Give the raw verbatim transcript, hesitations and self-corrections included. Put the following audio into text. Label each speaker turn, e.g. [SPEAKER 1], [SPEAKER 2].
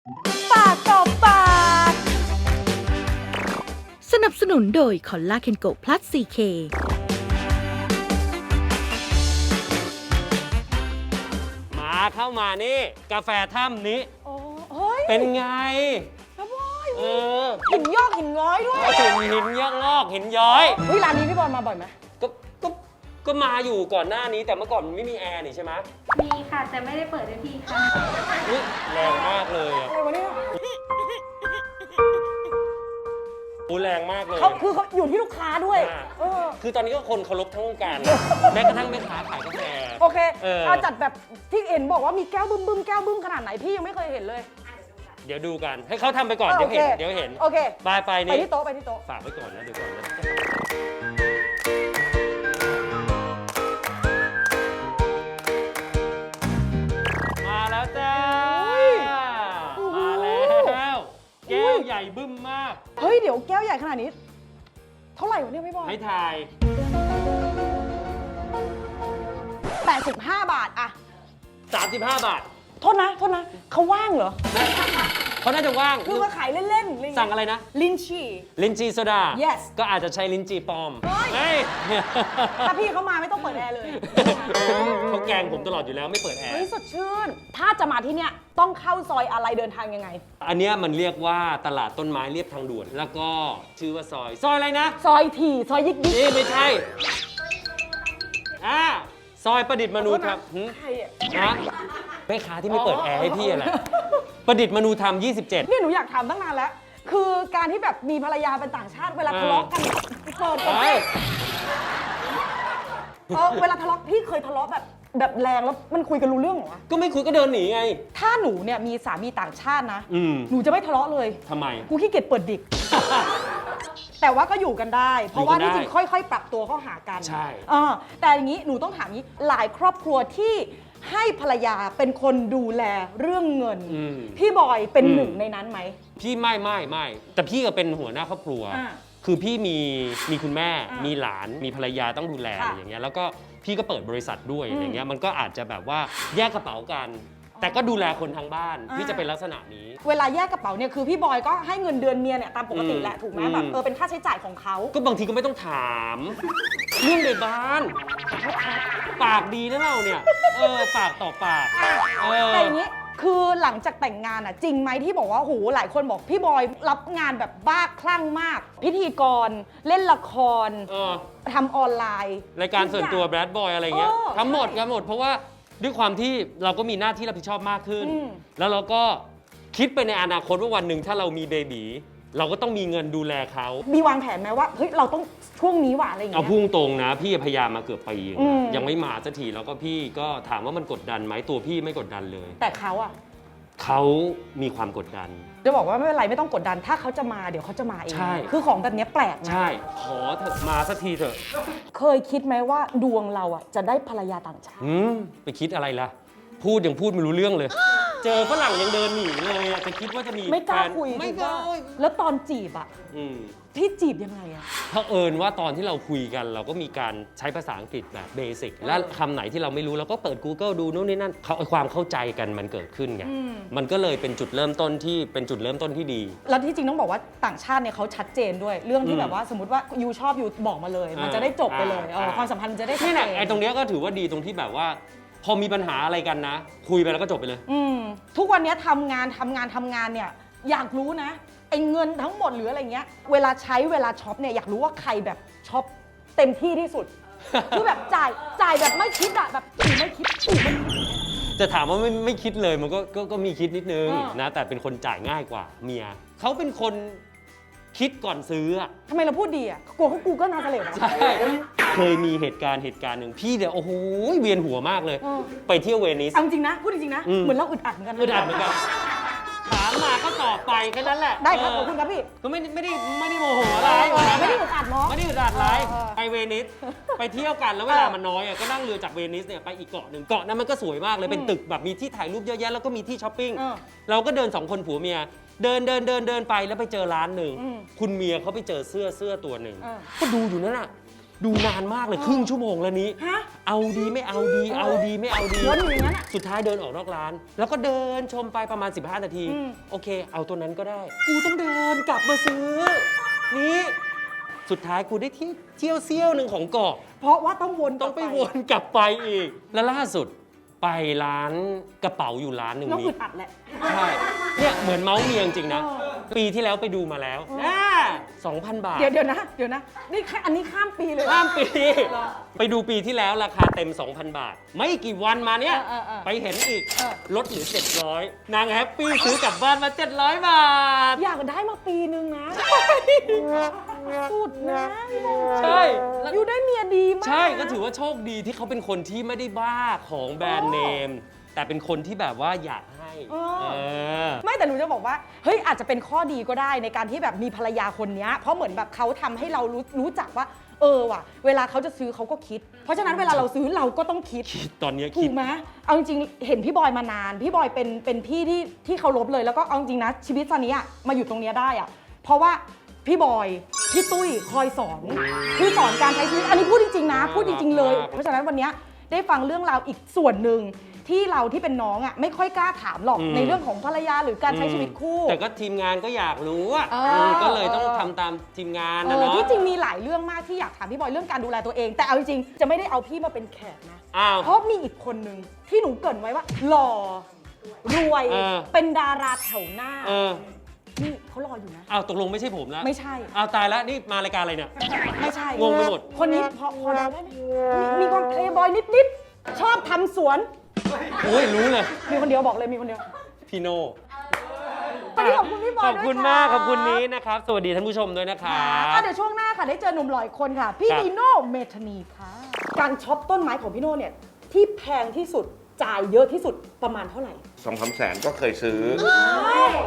[SPEAKER 1] ปากต่อปาก
[SPEAKER 2] สนับสนุนโดยคอลลาเคนโกพลัส ซี เค
[SPEAKER 3] มาเข้ามานี่กาแฟถ้ำนี้
[SPEAKER 1] โอ้เฮ้ย
[SPEAKER 3] เป็นไง
[SPEAKER 1] ครับบอย
[SPEAKER 3] เออ
[SPEAKER 1] หินยอกหินง้อยด้วย
[SPEAKER 3] หินหินยอกงอกหินย้อย
[SPEAKER 1] เฮ้ยร้านนี้พี่บอลมาบ่อยไหม
[SPEAKER 3] ก็ก็ก็มาอยู่ก่อนหน้านี้แต่เมื่อก่อนมันไม่มีแอร์นี่ใช่ไหม
[SPEAKER 4] มีค่ะ แต่ไม่ได้เปิดให้พี่ค่ะ
[SPEAKER 3] อุ๊ยแรงมากเลยอ่ะ
[SPEAKER 1] อะไรวะเนี่ย
[SPEAKER 3] โอ้แรงมากเลย
[SPEAKER 1] เขาคือเขาอยู่ที่ลูกค้าด้วย
[SPEAKER 3] อ่า
[SPEAKER 1] เออ
[SPEAKER 3] คือตอนนี้ก็คนเคารพทั้งวงการแม้กระทั่งแม่ค้าขายกาแฟ
[SPEAKER 1] โอเค
[SPEAKER 3] เออ
[SPEAKER 1] เอาจัดแบบที่เห็นบอกว่ามีแก้วบึ้มบึ้มแก้วบึ้มขนาดไหนพี่ยังไม่เคยเห็นเลย
[SPEAKER 3] เดี๋ยวดูกันให้เขาทำไปก่อน
[SPEAKER 1] เออ
[SPEAKER 3] เดี๋ยวเห็น
[SPEAKER 1] โอเค
[SPEAKER 3] เดี๋ยวเห็น
[SPEAKER 1] โอเค
[SPEAKER 3] ไปไป
[SPEAKER 1] ไป
[SPEAKER 3] นี่
[SPEAKER 1] ที่โต๊ะไปที่โต๊ะ
[SPEAKER 3] ฝากไว้ก่อนนะเดี๋ยวก่อนนะมาแล้วจ้ามาแล้วแก้วใหญ่บึ้มมาก
[SPEAKER 1] เฮ้ยเดี๋ยวแก้วใหญ่ขนาดนี้ เท่าไหร่วะเนี่ยพี่บอล
[SPEAKER 3] ให้ทาย
[SPEAKER 1] แปดสิบห้าบาทอะ
[SPEAKER 3] สามสิบห้าบาท
[SPEAKER 1] โทษนะโทษนะเขาว่างเหรอ
[SPEAKER 3] เขาน่าจะว่าง
[SPEAKER 1] คือมาขายเล่นๆอะไรอย่างเงี้ย
[SPEAKER 3] สั่งอะไรนะ
[SPEAKER 1] ลินชี่
[SPEAKER 3] ลินจีโซดา
[SPEAKER 1] Yes
[SPEAKER 3] ก็อาจจะใช้ลินจีปลอม
[SPEAKER 1] เฮ้ย
[SPEAKER 3] เฮ้ย
[SPEAKER 1] ถ้าพี่เขามาไม่ต้องเปิดแอร์เลย
[SPEAKER 3] เขาแกล้งผมตลอดอยู่แล้วไม่เปิดแอร์
[SPEAKER 1] เฮ้ยสดชื่น ถ้าจะมาที่เนี่ยต้องเข้าซอยอะไรเดินทางยังไง
[SPEAKER 3] อันเนี้ยมันเรียกว่าตลาดต้นไม้เรียบทางด่วน แล้วก็ชื่อว่าซอย ซอยอะไรนะ
[SPEAKER 1] ซอยถี่ซอยยิกยิก
[SPEAKER 3] นี่ไม่ใช่ อ่า ซอยประดิษฐ์มนูธรรมหึ
[SPEAKER 1] ใครอ่ะ
[SPEAKER 3] นะแม่ค้าที่ไม่เปิดแอร์ให้พี่อะไร ประดิษฐ์มนูธรรม ยี่สิบเจ็ด
[SPEAKER 1] เนี่ยหนูอยากถามตั้งนานแล้ว คือการที่แบบมีภรรยาเป็นต่างชาติเวลาทะเลาะกันเปิด
[SPEAKER 3] ไป
[SPEAKER 1] เออเวลาทะเลาะพี่เคยทะเลาะแบบแบบแรงแล้วมันคุยกันรู้เรื่องเหรอวะ
[SPEAKER 3] ก็ไม่คุยก็เดินหนีไง
[SPEAKER 1] ถ้าหนูเนี่ยมีสามีต่างชาตินะ
[SPEAKER 3] อืม
[SPEAKER 1] หนูจะไม่ทะเลาะเลย
[SPEAKER 3] ทำไม
[SPEAKER 1] กูขี้เกียจเปิดดิก แต่ว่าก็อยู่กันได้ เพราะว่า
[SPEAKER 3] อยู่กันได้
[SPEAKER 1] ที่จริงค่อยๆ ปรับตัวเข้าหากัน
[SPEAKER 3] ใช่
[SPEAKER 1] เออแต่อย่างนี้หนูต้องถามนี้หลายครอบครัวที่ให้ภรรยาเป็นคนดูแลเรื่องเงิน
[SPEAKER 3] อืม
[SPEAKER 1] พี่บอยเป็น
[SPEAKER 3] อืม
[SPEAKER 1] หนึ่งในนั้นไหม
[SPEAKER 3] พี่ไม่ไม่ไม่แต่พี่ก็เป็นหัวหน้าครอบครัว
[SPEAKER 1] อ่า
[SPEAKER 3] คือพี่มีมีคุณแม่
[SPEAKER 1] อ่ามี
[SPEAKER 3] มีหลานมีภรรยาต้องดูแล
[SPEAKER 1] ค่ะ
[SPEAKER 3] อะไรอย่างเงี้ยแล้วก็พี่ก็เปิดบริษัทด้วย
[SPEAKER 1] อืม
[SPEAKER 3] อย่างเงี้ยมันก็อาจจะแบบว่าแยกกระเป๋ากัน แต่ก็ดูแลคนทางบ้าน
[SPEAKER 1] อ่า
[SPEAKER 3] พี่จะเป็นลักษณะนี้
[SPEAKER 1] เวลาแยกกระเป๋าเนี่ยคือพี่บอยก็ให้เงินเดือนเมียเนี่ยตามปกติแหละ
[SPEAKER 3] อืม
[SPEAKER 1] ถูกไหม
[SPEAKER 3] อืม
[SPEAKER 1] แบบเออเป็นค่าใช้จ่ายของเขา
[SPEAKER 3] ก็บางทีก็ไม่ต้องถาม เรื่องในบ้าน ปากดีนะเราเนี่ยเออปากต่อปากเออ
[SPEAKER 1] แต่อย่างนี้คือหลังจากแต่งงานอ่ะจริงไหมที่บอกว่าโหหลายคนบอกพี่บอยรับงานแบบบ้าคลั่งมาก พิธีกรเล่นละคร
[SPEAKER 3] เออ
[SPEAKER 1] ทำออนไลน์
[SPEAKER 3] รายการส่วนตัวแบดบอยอะไรเงี้ย
[SPEAKER 1] เออ
[SPEAKER 3] ทำหมด
[SPEAKER 1] ใช่
[SPEAKER 3] กันหมดเพราะว่าด้วยความที่เราก็มีหน้าที่รับผิดชอบมากขึ้น
[SPEAKER 1] อืม
[SPEAKER 3] แล้วเราก็คิดไปในอนาคตว่าวันหนึ่งถ้าเรามีเบบีเราก็ต้องมีเงินดูแลเขา
[SPEAKER 1] มีวางแผนไหมว่าเฮ้ยเราต้องช่วงนี้ว่ะอะไรอย่าง
[SPEAKER 3] เอา
[SPEAKER 1] เงี้ย
[SPEAKER 3] พุ่งตรงนะ พี่พยายามมาเกือบปีนะ
[SPEAKER 1] อืม
[SPEAKER 3] ยังไม่มาสักทีแล้วก็พี่ก็ถามว่ามันกดดันไหมตัวพี่ไม่กดดันเลย
[SPEAKER 1] แต่เขาอะ
[SPEAKER 3] เขามีความกดดัน
[SPEAKER 1] จะบอกว่าไม่เป็นไรไม่ต้องกดดันถ้าเขาจะมาเดี๋ยวเขาจะมาเอง
[SPEAKER 3] ใช่
[SPEAKER 1] คือของแบบเนี้ยแปลกนะ
[SPEAKER 3] ใช่ ขอเถอะมาสักทีเถอะ
[SPEAKER 1] เคยคิดไหมว่าดวงเราอะจะได้ภรรยาต่างชาติ
[SPEAKER 3] อืมไปคิดอะไรล่ะ พูดยังพูดไม่รู้เรื่องเลย เจอฝรั่งยังเดินหนีเลยอะจะคิดว่าจะมี
[SPEAKER 1] ไม่กล้า
[SPEAKER 3] แฟน
[SPEAKER 1] คุย
[SPEAKER 3] ไม่
[SPEAKER 1] ถู
[SPEAKER 3] กล้า
[SPEAKER 1] ปะแล้วตอนจีบอะ
[SPEAKER 3] อืม
[SPEAKER 1] พี่จีบยังไงอะ
[SPEAKER 3] เผอิญว่าตอนที่เราคุยกันเราก็มีการใช้ภาษาอังกฤษแบบเบสิกและคำไหนที่เราไม่รู้เราก็เปิด Google ดูนู่นนี่นั่นเขาความเข้าใจกันมันเกิดขึ้นไงมันก็เลยเป็นจุดเริ่มต้นที่เป็นจุดเริ่มต้นที่ดี
[SPEAKER 1] แล้วที่จริงต้องบอกว่าต่างชาติเนี่ยเขาชัดเจนด้วย เรื่องที่
[SPEAKER 3] อืม
[SPEAKER 1] แบบว่าสมมติว่ายูชอบยูบอกมาเลย มันจะได้จบไปเลย
[SPEAKER 3] อ่า
[SPEAKER 1] เออ
[SPEAKER 3] อ่า
[SPEAKER 1] ความสัมพันธ์มันจะได้ชัด
[SPEAKER 3] นี่
[SPEAKER 1] เจ
[SPEAKER 3] แหละ
[SPEAKER 1] น
[SPEAKER 3] ไอ้ตรงเนี้ยก็ถือว่าดีตรงที่แบบว่า พอมีปัญหาอะไรกันนะ คุยไปแล้วก็จบไปเลย
[SPEAKER 1] อืมทุกวันนี้ทำงานทำงานทำงานเนี่ยอยากรู้นะไอ้เงินทั้งหมดหรืออะไรเงี้ยเวลาใช้เวลาช็อปเนี่ยอยากรู้ว่าใครแบบช็อปเต็มที่ที่สุด คือแบบจ่ายจ่ายแบบไม่คิดอะแบบอีไม่คิดอีไม่คิด
[SPEAKER 3] จะถามว่าไม่ไม่คิดเลยมันก็ก็ก็มีคิดนิดนึง
[SPEAKER 1] อ่าน
[SPEAKER 3] นะแต่เป็นคนจ่ายง่ายกว่าเมียเขาเป็นคนคิดก่อนซื้ออะ
[SPEAKER 1] ทำไมเราพูดดีอะกลัวเขากูก็นาเสลดอะ
[SPEAKER 3] ใช่เคยมีเหตุการณ์เหตุการณ์หนึ่งพี่เดี๋ยวโอ้โหเวียนหัวมากเลย
[SPEAKER 1] เออ
[SPEAKER 3] ไปเที่ยวเวนิส
[SPEAKER 1] เอาจริงๆนะพูดจริงๆนะ
[SPEAKER 3] อืม
[SPEAKER 1] เหมือนเราอึดอัดเหมือนกันนะ
[SPEAKER 3] อึดอัดเหมือนกันถามมาก็ตอบไปแค่นั้นแหละ
[SPEAKER 1] ได้ครับ
[SPEAKER 3] เ
[SPEAKER 1] ขอบคุณครับพี่
[SPEAKER 3] ก็ไม่ได้ไม่ได้ไม่ได้โมโหอะไร
[SPEAKER 1] ไม่ได้อึดอัดเนาะ
[SPEAKER 3] ไม่ได้อึดอัดอะไร
[SPEAKER 1] เออ
[SPEAKER 3] ไปเวนิสไปเที่ยวกันแล้วเวลา
[SPEAKER 1] เออ
[SPEAKER 3] มันน้อยอะก็นั่งเรือจากเวนิสเนี่ยไปอีกเกาะหนึ่งเกาะนั้นมันก็สวยมากเลยเป็นตึกแบบมีที่ถ่ายรูปเยอะแยะแล้วก็มีที่ช้อปปิ้ง
[SPEAKER 1] เออ
[SPEAKER 3] เราก็เดินสองคนผัวเมีย เดินเดินเดินเดินไปแล้วไปเจอร้านหนึ่ง
[SPEAKER 1] อืม
[SPEAKER 3] คุณเมียเขาไปเจอเสื้อเสื้อตัวหนึ่ง
[SPEAKER 1] เออ
[SPEAKER 3] ก็ดูอยู่นั่นน่ะดูนานมากเลยครึ่งชั่วโมงแล้วนี้
[SPEAKER 1] ฮะ
[SPEAKER 3] เอาดีไม่เอาดี เอาดีไม่เอาดี
[SPEAKER 1] วนอยู่อย่างนั้นอะ
[SPEAKER 3] สุดท้ายเดินออกนอกร้าน แล้วก็เดินชมไปประมาณ สิบห้า นาที
[SPEAKER 1] อืม
[SPEAKER 3] โอเค เอาตัวนั้นก็ได้ กูต้องเดินกลับมาซื้อ นี่สุดท้ายกูได้ที่เที่ยวเซี่ยวหนึ่งของเกาะ
[SPEAKER 1] เพราะว่าต้องวน
[SPEAKER 3] ต้องไปวนกลับไปอีก แล้วล่าสุดไปร้านกระเป๋าอยู่ร้านหนึ่ง
[SPEAKER 1] น้อง
[SPEAKER 3] นี้
[SPEAKER 1] อึดอัดแหละ
[SPEAKER 3] ใช่ เนี่ยเหมือนเมาส์เมียจริงๆนะ
[SPEAKER 1] เออ
[SPEAKER 3] ปีที่แล้วไปดูมาแล้วน่าสองพัน บาท
[SPEAKER 1] เดี๋ยวเดี๋ยวนะเดี๋ยวนะนี่แค่อันนี้ข้ามปีเลย
[SPEAKER 3] ข้ามปี ไปดูปีที่แล้วราคาเต็ม สองพัน บาท ไม่กี่วันมาเนี่ย
[SPEAKER 1] เออเออเออ
[SPEAKER 3] ไปเห็นอีก
[SPEAKER 1] เออ
[SPEAKER 3] ลดเหลือ เจ็ดร้อย นางแฮปปี้ซื้อกลับบ้านมา เจ็ดร้อย บาท
[SPEAKER 1] อยากได้มาปีนึงนะสุดนะพี่โบ
[SPEAKER 3] ใช่
[SPEAKER 1] อยู่ได้เมียดีมาก
[SPEAKER 3] ใช่ก็ถือว่าโชคดีที่เขาเป็นคนที่ไม่ได้บ้าของแบรนด์เนม แต่เป็นคนที่แบบว่าอยากให้
[SPEAKER 1] เออ
[SPEAKER 3] เออ
[SPEAKER 1] ไม่แต่หนูจะบอกว่าเฮ้ยอาจจะเป็นข้อดีก็ได้ในการที่แบบมีภรรยาคนเนี้ยเพราะเหมือนแบบเขาทำให้เรารู้รู้จักว่า เออว่ะ เวลาเขาจะซื้อเขาก็คิด เพราะฉะนั้นเวลาเราซื้อเราก็ต้องคิด
[SPEAKER 3] คิดตอนเนี้ย
[SPEAKER 1] ถู
[SPEAKER 3] คิด
[SPEAKER 1] กไหมเอาจริงๆเห็นพี่บอยมานาน พี่บอยเป็นเป็นพี่ที่ที่เคารพเลยแล้วก็เอาจริงนะชีวิตตอนนี้อะมาอยู่ตรงเนี้ยได้อะเพราะว่าพี่บอยพี่ตุ้ยคอยสอนคือสอนการใช้ชีวิตอันนี้พูดจริงๆนะพูดจริงๆเลย เพราะฉะนั้นวันเนี้ยได้ฟังเรื่องราวอีกส่วนหนึ่งที่เราที่เป็นน้องอ่ะไม่ค่อยกล้าถามหรอก
[SPEAKER 3] อืม
[SPEAKER 1] ในเรื่องของภรรยาหรือการใช้ชีวิตคู่
[SPEAKER 3] แต่ก็ทีมงานก็อยากรู้อ่ะ
[SPEAKER 1] เออ
[SPEAKER 3] มก็เลยต้อง
[SPEAKER 1] เออ
[SPEAKER 3] ทำตามทีมงาน
[SPEAKER 1] เอ
[SPEAKER 3] นะ
[SPEAKER 1] อ
[SPEAKER 3] เนาะ
[SPEAKER 1] ที่จริงมีหลายเรื่องมากที่อยากถามพี่บอยเรื่องการดูแลตัวเอง แต่เอาจริงๆจะไม่ได้เอาพี่มาเป็นแขกนะ
[SPEAKER 3] อ้าว
[SPEAKER 1] เพราะมีอีกคนนึงที่หนูเกรินไว้ว่าหล่อรวย
[SPEAKER 3] เออ
[SPEAKER 1] เป็นดาราแถวหน้า
[SPEAKER 3] เออ
[SPEAKER 1] นี่เขารออยู่นะ
[SPEAKER 3] อ้าวตกลงไม่ใช่ผมแล้ว
[SPEAKER 1] ไม่ใช่
[SPEAKER 3] อ้าวตายแล้วนี่มารายการอะไรเนี่ย
[SPEAKER 1] ไม่ใช่
[SPEAKER 3] งงไปหมด
[SPEAKER 1] คนนี้พอพอเดาได้ไหมมีมีความเพลย์บอยนิดๆชอบทำสวน
[SPEAKER 3] โอ้ยรู้เลย
[SPEAKER 1] มีคนเดียวบอกเลยมีคนเดียว
[SPEAKER 3] พี่โน่
[SPEAKER 1] วันนี้ขอบคุณพี่บอย
[SPEAKER 3] ขอบคุณ
[SPEAKER 1] ด้วย
[SPEAKER 3] มาก
[SPEAKER 1] ะ
[SPEAKER 3] ขอบคุณนี้นะครับ สวัสดีท่านผู้ชมด้วยนะครั
[SPEAKER 1] อ่ะ
[SPEAKER 3] บ
[SPEAKER 1] เดี๋ยวช่วงหน้าค่ะได้เจอหนุ่มหล่ออีกคนค่ะ พี่
[SPEAKER 3] ครับ
[SPEAKER 1] นีโน่เมธานีค่ะ การช็อปต้นไม้ของพี่โน่เนี่ยที่แพงที่สุดจ่ายเยอะที่สุดประมาณเท่าไหร่
[SPEAKER 5] สองสามแสนก็เคยซื้อ
[SPEAKER 1] เ